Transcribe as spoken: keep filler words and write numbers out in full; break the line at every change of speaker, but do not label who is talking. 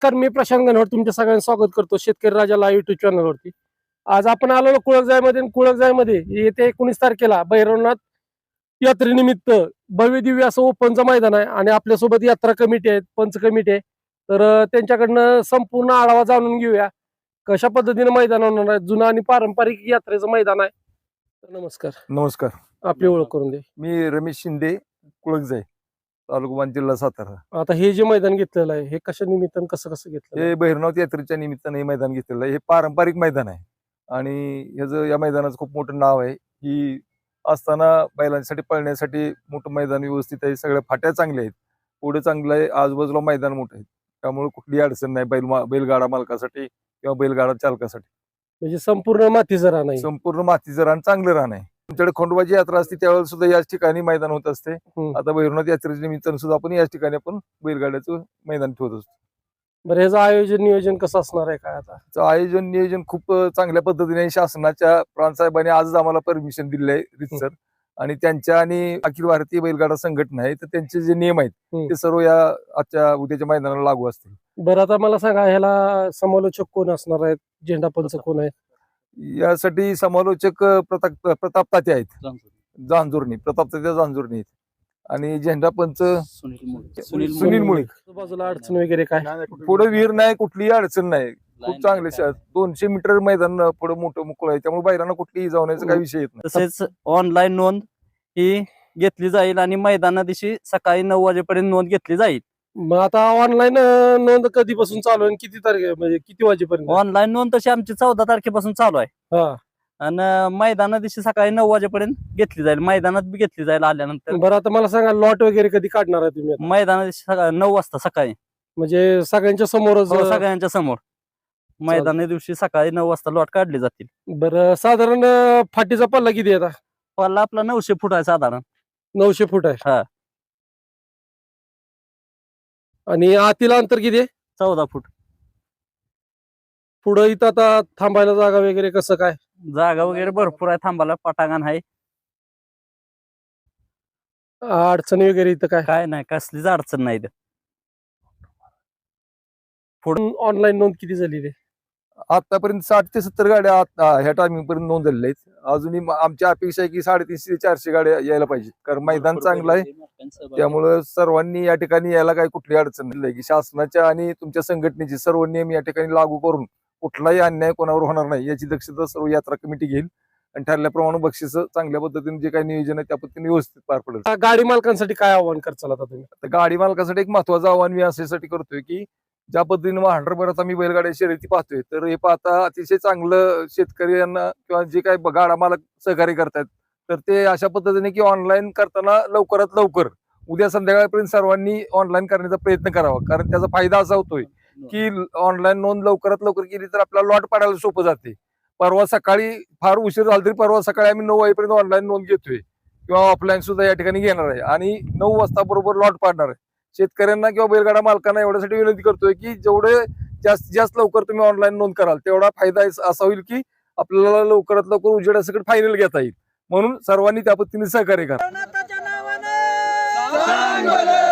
नमस्कार, मी प्रशांत गणवट तुमच्या सगळ्यांचं स्वागत करतो शेतकरी राजा लाईव्ह युट्यूब चॅनलवरती। आज आपण आलो कुळकजाईमध्ये। कुळकजाईमध्ये येत्या एकोणीस तारखेला भैरवनाथ यात्रेनिमित्त भव्य दिव्य असं ओपनचं मैदान आहे आणि आपल्यासोबत यात्रा कमिटी आहे, पंच कमिटी आहे। तर त्यांच्याकडनं संपूर्ण आढावा जाणून घेऊया कशा पद्धतीने मैदान होणार आहे। जुनं आणि पारंपरिक यात्रेचं मैदान आहे। नमस्कार।
नमस्कार,
आपली ओळख करून दे।
मी रमेश शिंदे, कुळकजाई, तालुका मान, जिल्हा सातारा।
आता हे जे मैदान घेतलेलं आहे हे कशा निमित्तानं कसं कसं घेतलं?
हे भैरवनाथ यात्रेच्या निमित्ताने हे मैदान घेतलेलं आहे। हे पारंपरिक मैदान आहे आणि ह्याचं या मैदानाचं खूप मोठं नाव आहे की असताना बैलांसाठी पळण्यासाठी मोठं मैदान व्यवस्थित आहे। सगळ्या फाट्या चांगल्या आहेत, पुढे चांगलं आहे, आजूबाजूला मैदान मोठं आहे, त्यामुळे कुठलीही अडचण नाही बैल बैलगाडा मालकासाठी किंवा बैलगाडा चालकासाठी।
म्हणजे संपूर्ण मातीचं रान आहे,
संपूर्ण मातीचं रान, चांगलं रान आहे। तुमच्याकडे खंडोबाची यात्रा असते त्यावेळेस सुद्धा याच ठिकाणी मैदान होत असते। आता भैरवनाथ यात्रेच्या निमित्तानं सुद्धा आपण याच ठिकाणी आपण बैलगाड्याचं मैदान ठेवत असतो।
बरं, ह्याचं आयोजन नियोजन कसं असणार आहे काय? आता
आयोजन नियोजन खूप चांगल्या पद्धतीने शासनाच्या प्रांतसाहेबांनी आजच आम्हाला परमिशन दिले आहे रितसर, आणि त्यांच्या आणि अखिल भारतीय बैलगाडा संघटना आहे तर त्यांचे जे नियम आहेत ते सर्व या आजच्या उद्याच्या मैदानाला लागू असतील।
बरं, आता मला सांगा ह्याला समालोचक कोण असणार आहेत, झेंडा पंच कोण आहेत?
यासाठी समालोचक प्रताप प्रताप तात्या आहेत, जांजुर्णी, प्रताप तात्या जांजुर्णी आहेत, आणि झेंडा पंच सुनील मुळीक।
बाजूला अडचण वगैरे काय?
पुढे विहीर नाही, कुठलीही अडचण नाही, खूप चांगले दोनशे मीटर मैदान पुढे मोठं मोकळं आहे, त्यामुळे बैलांना कुठलीही जाण्याचा काही विषय येत नाही।
तसेच ऑनलाईन नोंद ही घेतली जाईल आणि मैदाना दिवशी सकाळी नऊ वाजेपर्यंत नोंद घेतली जाईल।
मग आता ऑनलाईन नोंद कधीपासून चालू आहे, किती तारखे म्हणजे किती वाजेपर्यंत?
ऑनलाईन नोंद तशी आमची चौदा तारखेपासून चालू आहे
हा,
आणि मैदाना दिवशी सकाळी नऊ वाजेपर्यंत घेतली जाईल, मैदानात बी घेतली जाईल आल्यानंतर।
बरं, आता मला सांगा लॉट वगैरे कधी काढणार आहे तुम्ही?
मैदाना दिवशी सकाळी नऊ वाजता सकाळी,
म्हणजे सगळ्यांच्या समोरच?
हो, सगळ्यांच्या समोर मैदाना दिवशी सकाळी नऊ वाजता लॉट काढली जातील।
बरं, साधारण फाटीचा पल्ला किती आहे?
पल्ला आपला नऊशे फूट आहे साधारण।
नऊशे फूट आहे।
हा,
आणि आतील अंतर किती आहे?
चौदा फूट।
पुढं इथं आता थांबायला जागा वगैरे कसं काय?
जागा वगैरे भरपूर आहे, थांबायला पटांगण आहे,
अडचणी वगैरे इथं काय?
काय नाही, कसलीच अडचण नाही।
पुढून ऑनलाईन नोंद किती झाली रे?
आतापर्यंत साठ ते सत्तर गाड्या ह्या टायमिंग पर्यंत नोंद झालेल्या आहेत। अजूनही आमची अपेक्षा आहे की साडेतीनशे ते चारशे गाड्या यायला पाहिजे, कारण मैदान चांगलं आहे, त्यामुळे सर्वांनी या ठिकाणी यायला काही कुठली अडचण नाही की शासनाच्या आणि तुमच्या संघटनेचे सर्व नियम या ठिकाणी लागू करून कुठलाही अन्याय कोणावर होणार नाही याची दक्षता सर्व यात्रा कमिटी घेईल, आणि ठरल्याप्रमाणे बक्षीस चांगल्या पद्धतीने जे काही नियोजन आहे त्या पद्धतीने व्यवस्थित पार पडेल।
गाडी मालकांसाठी काय आव्हान करचाल आता तुम्ही?
तर गाडी मालकासाठी एक महत्वाचं आव्हान मी अशासाठी करतोय की ज्या पद्धतीने हंड्रेड आम्ही बैलगाड्या शर्यती पाहतोय, तर हे पाहता अतिशय चांगलं शेतकऱ्यांना किंवा जे काही गाडा मालक सहकार्य करतात तर ते अशा पद्धतीने की ऑनलाईन करताना लवकरात लवकर उद्या संध्याकाळपर्यंत सर्वांनी ऑनलाईन करण्याचा प्रयत्न करावा, कारण त्याचा फायदा असा होतोय की ऑनलाईन नोंद लवकरात लवकर केली तर आपल्याला लॉट पाडायला सोपं जाते। परवा सकाळी फार उशीर झाला तरी परवा सकाळी आम्ही नऊ वाजेपर्यंत ऑनलाईन नोंद घेतोय किंवा ऑफलाईन सुद्धा या ठिकाणी घेणार आहे, आणि नऊ वाजता बरोबर लॉट पाडणार आहे। शेतकऱ्यांना किंवा बैलगाडा मालकांना एवढ्यासाठी विनंती करतोय की जेवढे जास्तीत जास्त लवकर तुम्ही ऑनलाईन नोंद कराल तेवढा फायदा असा होईल की आपल्याला लवकरात लवकर उजेडासकट फायनल घेता येईल, म्हणून सर्वांनी त्या पद्धतीने सहकार्य करा।